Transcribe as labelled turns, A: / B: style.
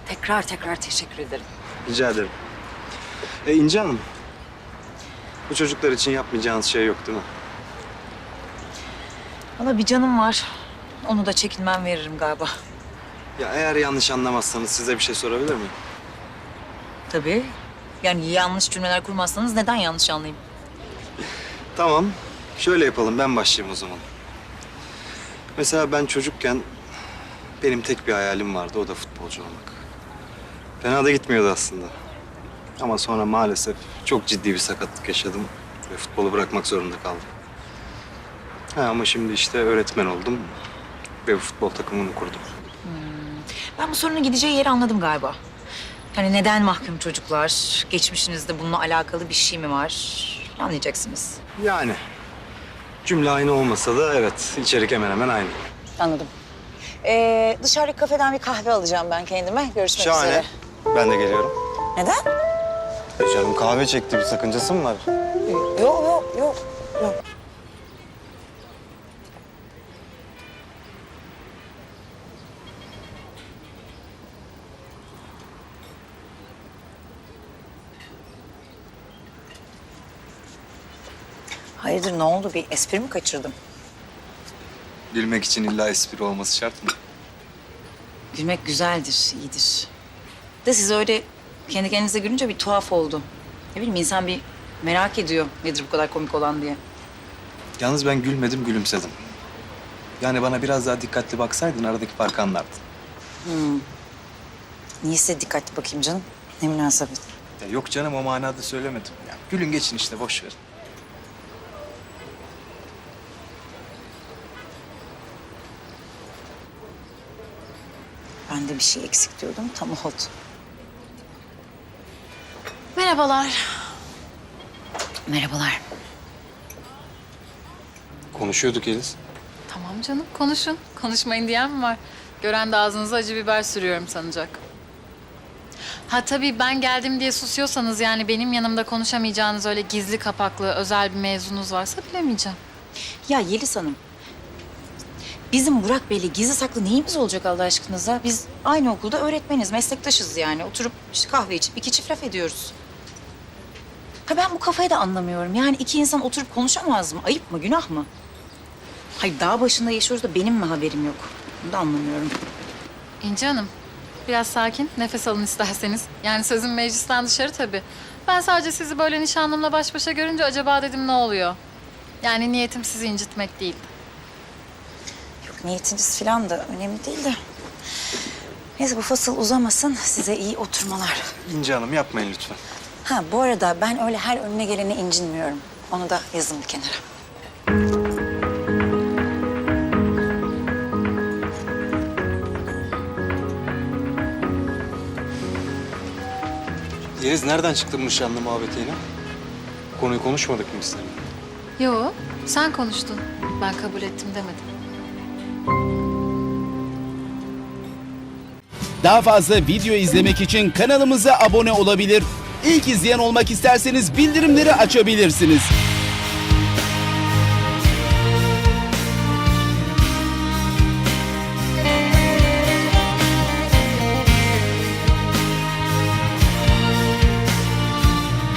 A: Tekrar teşekkür ederim.
B: Rica ederim. İnci Hanım, bu çocuklar için yapmayacağınız şey yok değil mi?
A: Valla bir canım var. Onu da çekinmem veririm galiba.
B: Ya eğer yanlış anlamazsanız size bir şey sorabilir miyim?
A: Tabii. Yani yanlış cümleler kurmazsanız neden yanlış anlayayım?
B: Tamam, şöyle yapalım, ben başlayayım o zaman. Mesela ben çocukken benim tek bir hayalim vardı, o da futbolcu olmak. Fena da gitmiyordu aslında. Ama sonra maalesef çok ciddi bir sakatlık yaşadım ve futbolu bırakmak zorunda kaldım. Ama şimdi işte öğretmen oldum ve bu futbol takımını kurdum.
A: Ben bu sorunun gideceği yeri anladım galiba. Yani neden mahkum çocuklar? Geçmişinizde bununla alakalı bir şey mi var? Anlayacaksınız.
B: Yani cümle aynı olmasa da evet, içerik hemen hemen aynı.
A: Anladım. Dışarıdaki kafeden bir kahve alacağım ben kendime. Görüşmek
B: Şahane.
A: üzere.
B: Ben de geliyorum.
A: Neden?
B: Canım kahve çekti, bir sakıncası mı var?
A: Yok. Hayırdır ne oldu? Bir espri mi kaçırdım?
B: Gülmek için illa espri olması şart mı?
A: Gülmek güzeldir, iyidir. De siz öyle kendi kendinize gülünce bir tuhaf oldu. Ne bileyim insan bir merak ediyor nedir bu kadar komik olan diye.
B: Yalnız ben gülmedim, gülümsedim. Yani bana biraz daha dikkatli baksaydın aradaki farkı anlardın.
A: Niyeyse dikkatli bakayım canım. Ne münasebet.
B: Ya yok canım, o manada söylemedim. Ya gülün geçin işte, boş verin.
A: Ben de bir şey eksik diyordum, tam oldu.
C: Merhabalar.
A: Merhabalar.
B: Konuşuyorduk Yeliz.
C: Tamam canım, konuşun. Konuşmayın diyen mi var? Gören de ağzınıza acı biber sürüyorum sanacak. Ha tabii ben geldim diye susuyorsanız yani benim yanımda konuşamayacağınız öyle gizli kapaklı özel bir mevzunuz varsa bilemeyeceğim.
A: Ya Yeliz Hanım, bizim Burak Bey'le gizli saklı neyimiz olacak Allah aşkınıza? Biz aynı okulda öğretmeniz, meslektaşız yani. Oturup işte kahve içip iki çift laf ediyoruz. Ha ben bu kafayı da anlamıyorum. Yani iki insan oturup konuşamaz mı? Ayıp mı, günah mı? Hayır dağ başında yaşıyoruz da benim mi haberim yok? Bunu da anlamıyorum.
C: İnci Hanım, biraz sakin, nefes alın isterseniz. Yani sözüm meclisten dışarı tabii. Ben sadece sizi böyle nişanlımla baş başa görünce acaba dedim ne oluyor? Yani niyetim sizi incitmek değil.
A: Yok niyetiniz falan da önemli değil de. Neyse bu fasıl uzamasın. Size iyi oturmalar.
B: İnci Hanım yapmayın lütfen.
A: Ha bu arada ben öyle her önüne gelene incinmiyorum. Onu da yazın bir kenara.
B: Yeliz nereden çıktı bu nişanlı muhabbeti yine? Konuyu konuşmadık mı biz seninle?
C: Yo, sen konuştun. Ben kabul ettim demedim.
D: Daha fazla video izlemek için kanalımıza abone olabilir. İlk izleyen olmak isterseniz bildirimleri açabilirsiniz.